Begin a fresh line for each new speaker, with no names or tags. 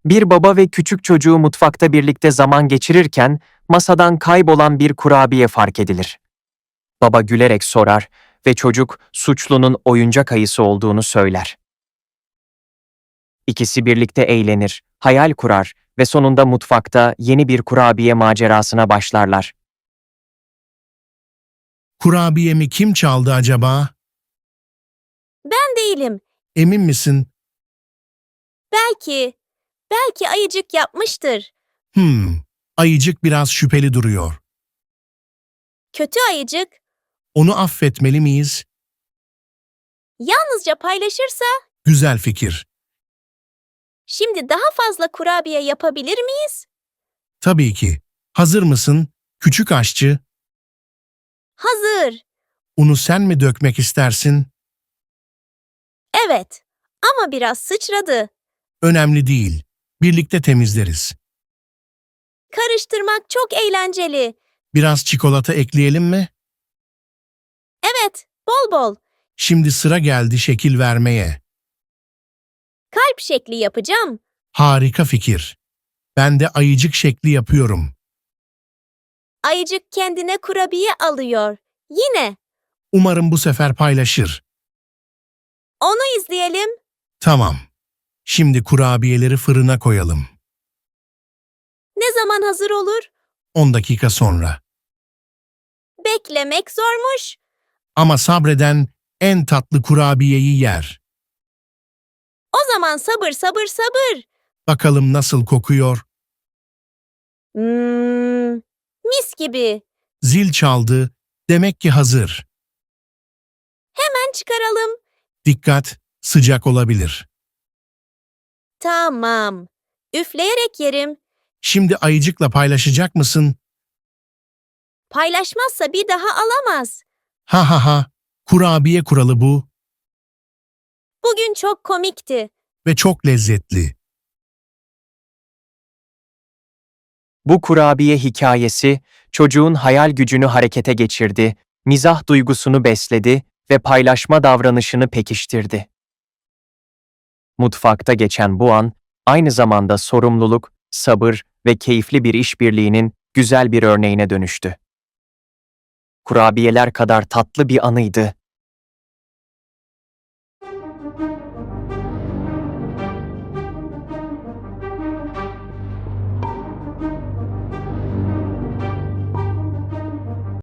Bir baba ve küçük çocuğu mutfakta birlikte zaman geçirirken masadan kaybolan bir kurabiye fark edilir. Baba gülerek sorar ve çocuk suçlunun oyuncak ayısı olduğunu söyler. İkisi birlikte eğlenir, hayal kurar ve sonunda mutfakta yeni bir kurabiye macerasına başlarlar.
Kurabiyemi kim çaldı acaba?
Ben değilim.
Emin misin?
Belki, belki ayıcık yapmıştır.
Ayıcık biraz şüpheli duruyor.
Kötü ayıcık
Onu affetmeli miyiz?
yalnızca paylaşırsa
Güzel fikir.
şimdi daha fazla kurabiye yapabilir miyiz?
Tabii ki. Hazır mısın, küçük aşçı?
Hazır.
Unu sen mi dökmek istersin?
Evet. Ama biraz sıçradı.
Önemli değil. Birlikte temizleriz.
Karıştırmak çok eğlenceli.
Biraz çikolata ekleyelim mi?
Evet, bol bol.
Şimdi sıra geldi şekil vermeye.
Kalp şekli yapacağım.
Harika fikir. Ben de ayıcık şekli yapıyorum.
Ayıcık kendine kurabiye alıyor. Yine.
Umarım bu sefer paylaşır.
Onu izleyelim.
Tamam. Şimdi kurabiyeleri fırına koyalım.
Ne zaman hazır olur?
10 dakika sonra.
Beklemek zormuş.
Ama sabreden en tatlı kurabiyeyi yer.
O zaman sabır sabır sabır.
Bakalım nasıl kokuyor?
Mis gibi.
Zil çaldı. Demek ki hazır.
Hemen çıkaralım.
Dikkat, sıcak olabilir.
Tamam. Üfleyerek yerim.
Şimdi ayıcıkla paylaşacak mısın?
Paylaşmazsa bir daha alamaz.
Ha ha ha. Kurabiye kuralı bu
Bugün çok komikti.
ve çok lezzetli.
Bu kurabiye hikayesi çocuğun hayal gücünü harekete geçirdi, mizah duygusunu besledi ve paylaşma davranışını pekiştirdi. Mutfakta geçen bu an, aynı zamanda sorumluluk, sabır ve keyifli bir işbirliğinin güzel bir örneğine dönüştü. Kurabiyeler kadar tatlı bir anıydı